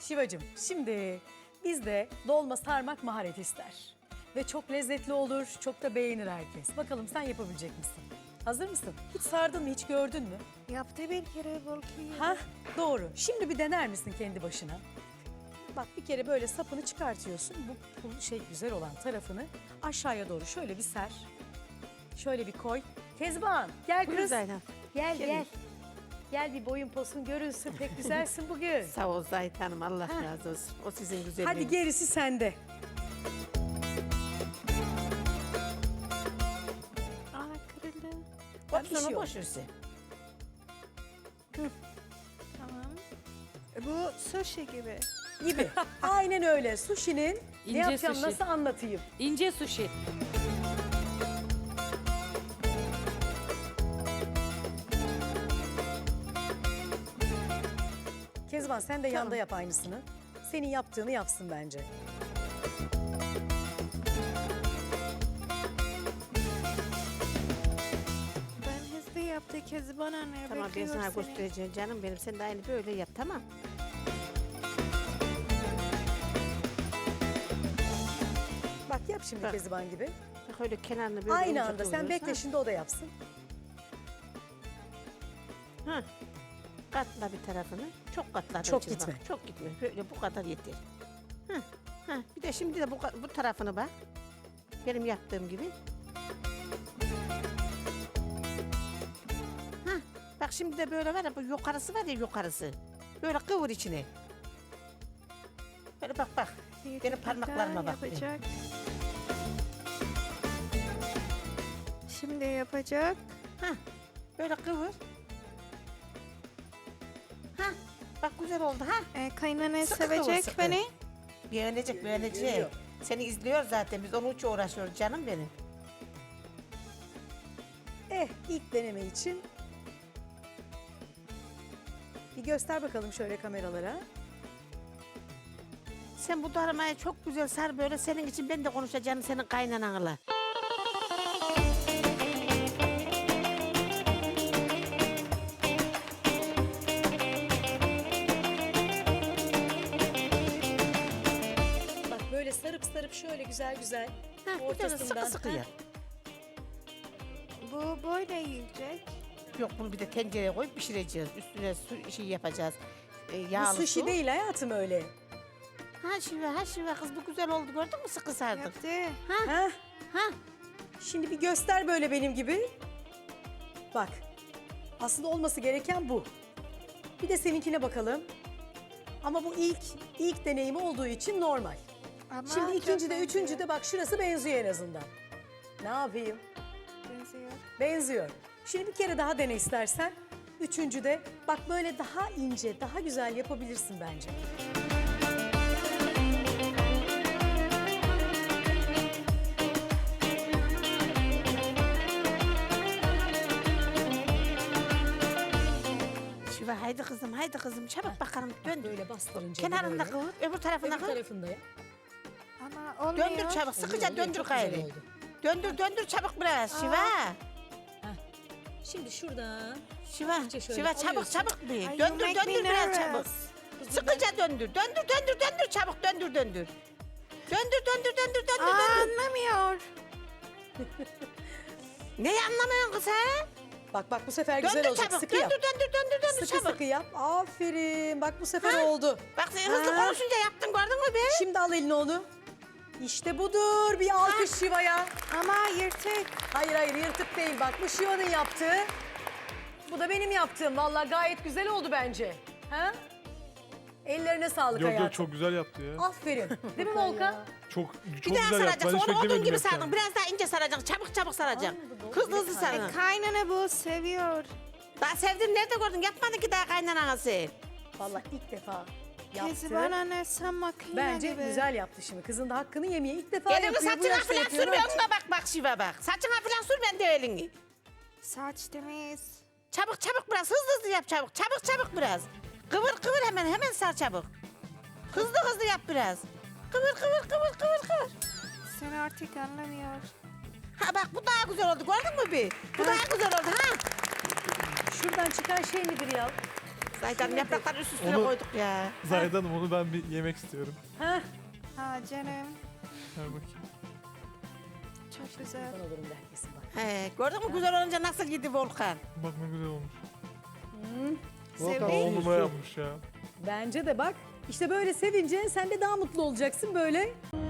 Şivacığım, şimdi bizde dolma sarmak maharet ister. Ve çok lezzetli olur, çok da beğenir herkes. Bakalım sen yapabilecek misin? Hazır mısın? Hiç sardın mı, hiç gördün mü? Yaptı bir kere belki. Ha, doğru. Şimdi bir dener misin kendi başına? Bak bir kere böyle sapını çıkartıyorsun. Bu güzel olan tarafını aşağıya doğru şöyle bir ser. Şöyle bir koy. Kezban gel Buyur kız. Zeynep. Gel Gelin. gel. Gel bir boyun posun görünsün. Pek güzelsin bugün. Sağ ol Zahit Hanım, Allah razı olsun. O sizin güzelliğiniz. Hadi gerisi sende. Aa kırıldı. Bak, bir şey Opsiyonu yok. boş versin. Tamam. Bu sushi gibi. Gibi. Aynen öyle. Sushi'nin ne İnce yapacağım, sushi. nasıl anlatayım? İnce sushi. Kezban sen de yanda yap aynısını. Senin yaptığını yapsın bence. Ben hızlı yaptı Kezban anne. Tamam, ben bekliyor sana seni. göstereceğim canım benim. Sen de aynı böyle yap, tamam. Bak yap şimdi Bak. Kezban gibi. Bak öyle kenarını böyle Aynı ucu anda sen kıvırıyoruz, bekle ha. şimdi o da yapsın. Ha. Katla bir tarafını. Çok katla. Çok Bak, gitme. çok gitme. Böyle bu kadar yeter. Ha. Ha. Bir de şimdi de bu tarafını bak. Benim yaptığım gibi. Ha. Bak şimdi de böyle var ya, bu yukarısı var ya, yukarısı. Böyle kıvır içine. Böyle bak bak. Bir Benim dakika parmaklarıma bak. yapacak. Şimdi yapacak. Ha. Böyle kıvır. Ha. Bak güzel oldu ha. Kaynana Sıkı kıvır, sevecek sıkı. beni. Beğenecek, beğenecek. Geliyor. Seni izliyor zaten. Biz onun için uğraşıyoruz canım benim. İlk deneme için bir göster bakalım şöyle kameralara. Sen bu darmayı çok güzel sar böyle. Senin için ben de konuşacağım senin kaynananla. Bak böyle sarıp sarıp şöyle güzel güzel Ha, güzel ortasından. sıkı sıkı Ha, yap. Bu böyle yiyecek. Yok, bunu bir de tencereye koyup pişireceğiz. Üstüne su yapacağız. Bu Yağlı sushi su. değil hayatım öyle. Ha şive kız, bu güzel oldu, gördün mü, sıkı sardık. Yaptı. Ha? Ha. Şimdi bir göster böyle benim gibi. Bak. Aslında olması gereken bu. Bir de seninkine bakalım. Ama bu ilk deneyimi olduğu için normal. Ama Şimdi çok ikinci de, benziyor. üçüncü de bak şurası benziyor en azından. Ne yapayım? Benziyor. Benziyor. Şimdi bir kere daha dene istersen. Üçüncü de bak böyle daha ince, daha güzel yapabilirsin bence. Şive haydi kızım çabuk bakalım, döndür. Böyle bastırınca. Kenarında böyle. kıvır, öbür tarafına Öbür kıvır. tarafında yap. Ama olmuyor. Döndür çabuk, sıkıca Oluyor, oluyor. döndür Çok güzel gayrı. oldu. Döndür çabuk biraz Şive. Şimdi şuradan. Şive, Hafifçe şöyle Şive çabuk alıyorsun. çabuk bir. Ay, Döndür you make me biraz çabuk. nervous. Sıkıca döndür çabuk döndür. Döndür. Anlamıyor. Neyi anlamıyorsun kız ha? Bak bu sefer güzel Döndür olacak. çabuk, Sıkı yap. döndür Sıkı çabuk. sıkı yap. Aferin. Bak bu sefer oldu. Bak sen hızlı Ha. konuşunca yaptın, gördün mü be? Şimdi al eline onu. İşte budur. Bir alkış Şiva'ya. Ama yırtık. Hayır yırtık değil. Bak bu Şiva'nın yaptığı. Bu da benim yaptığım. Vallahi gayet güzel oldu bence. Ha? Ellerine sağlık Yok hayatım. yok, çok güzel yaptı ya. Aferin. Değil mi Volkan? Çok Bir daha güzel yaptı. Ben saracaksın, hiç onu odun beklemedim gibi yapacağını. sardın. Biraz daha ince saracaksın, çabuk saracaksın. Hızlı sarın. Kaynana bu seviyor. Daha sevdin, nerede gördün? Yapmadın ki daha kaynananası. Vallahi ilk defa yaptı. Kezban anne sen makine Bence gibi. güzel yaptı şimdi. Kızın da hakkını yemeye ilk defa Elini yapıyor. Bu saçına yaşta falan yapıyor. sürme, önüne bak Şive bak. Saçına falan sürme de elini. Saç temiz. Çabuk biraz, hızlı yap çabuk. Çabuk biraz. Kıvır hemen sar çabuk. Hızlı yap biraz. Kıvır. Sen artık anlamıyor. Ha bak, bu daha güzel oldu, gördün mü bir? Bu daha güzel oldu ha. Şuradan çıkan şey nedir ya? Zaydan yaprakları üst üstüne Onu- koyduk ya. Zahide Hanım onu ben bir yemek istiyorum. Heh. Ha canım. Ver bakayım. Çok güzel. Ben olurum herkesin bak. He, gördün mü güzel olunca nasıl yedi Volkan? Bak ne güzel olmuş. Sevdi. 10 numara yapmış ya. Bence de bak. İşte böyle sevince sen de daha mutlu olacaksın böyle.